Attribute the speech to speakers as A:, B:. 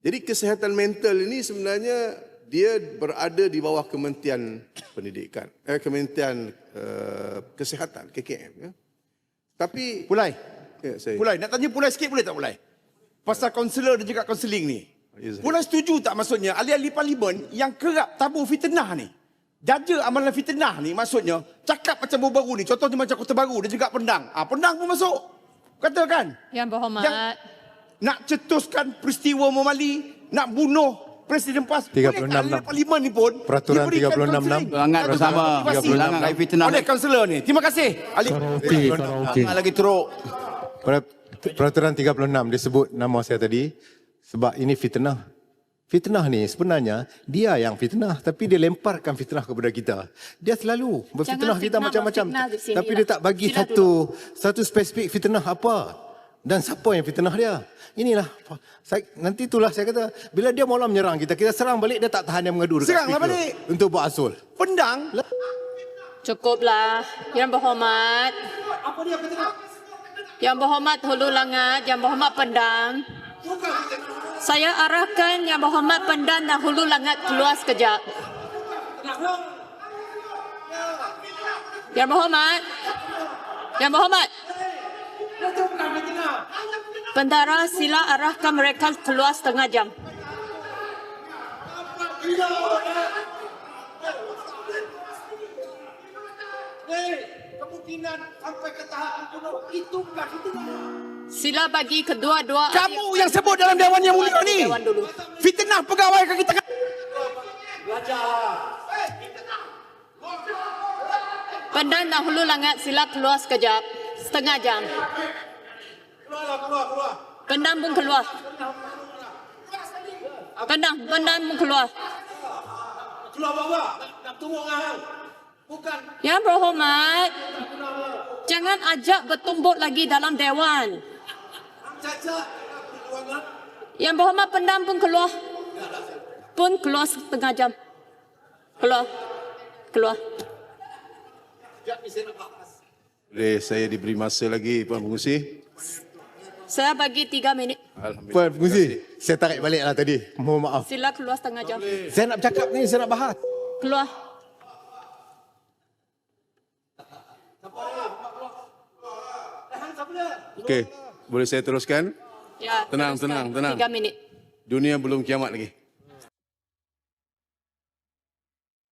A: Jadi kesihatan mental ini sebenarnya dia berada di bawah Kementerian Pendidikan, Kementerian Kesihatan, KKM. Ya. Tapi
B: Pulai.
A: ya,
B: Pulai, nak tanya Pulai sikit boleh tak Pulai? Pasal kaunselor dan juga kaunseling ni. Pulai setuju tak maksudnya ahli-ahli parlimen yang kerap tabur fitnah ni? Jaja amalan fitnah ni maksudnya cakap macam baru ni. Contohnya macam Kota Baru dan juga Pendang. Pendang pun masuk. Katakan.
C: Yang berhormat.
B: Yang nak cetuskan peristiwa memali, nak bunuh Presiden PAS.
D: 36.
B: Parlimen ni pun
D: Peraturan
B: diberikan
D: 36.
B: kaunseling.
E: Hangat bersama. Ulangan kait fitnah.
B: Oleh kaunselor ni. Terima kasih.
E: Hangat lagi teruk.
D: Peraturan 36 disebut nama saya tadi sebab ini fitnah. Fitnah ni sebenarnya dia yang fitnah tapi dia lemparkan fitnah kepada kita. Dia selalu berfitnah kita macam-macam tapi dia tak bagi satu spesifik fitnah apa dan siapa yang fitnah dia. Inilah nanti itulah saya kata bila dia mula menyerang kita, kita serang balik, dia tak tahan dia mengadu dekat
B: Seranglah
D: speaker
B: balik.
D: untuk buat asul.
B: Pendang.
C: Cukuplah. Yang berhormat. Yang berhormat Hulu Langat, Yang berhormat Pendang. Saya arahkan Yang berhormat Pendang dan Hulu Langat keluar sekejap. Yang berhormat. Yang berhormat. Bendara sila arahkan mereka keluar setengah jam.
F: Kemungkinan sampai ke tahap bunuh itu bukan fitnah.
C: Sila bagi kedua-dua.
B: Kamu yang sebut dalam Dewan Yang Mulia ni.
C: Dewan dulu.
B: Fitnah pegawai ke kita.
C: Pendang dan Hulu Langat sila keluar sekejap. Setengah jam.
F: Keluar.
C: Pendang pun keluar. Pendang pun keluar.
F: Keluar bawah. Nak tunggu dengan bukan.
C: Yang berhormat, jangan ajak bertumbuk lagi dalam Dewan.
F: Cacat.
C: Yang berhormat Pendang pun keluar. Pun keluar setengah jam. Keluar.
A: boleh saya diberi masa lagi Puan Pengurusi?
C: Saya bagi 3 minit.
A: Alhamdulillah.
D: Puan Pengurusi, saya tarik balik lah tadi. Mohon maaf.
C: Sila keluar setengah jam.
B: Saya nak bercakap ni, saya nak bahas.
C: Keluar.
A: Okey, boleh saya teruskan?
C: Ya.
A: Tenang.
C: 3 minit.
A: Dunia belum kiamat lagi.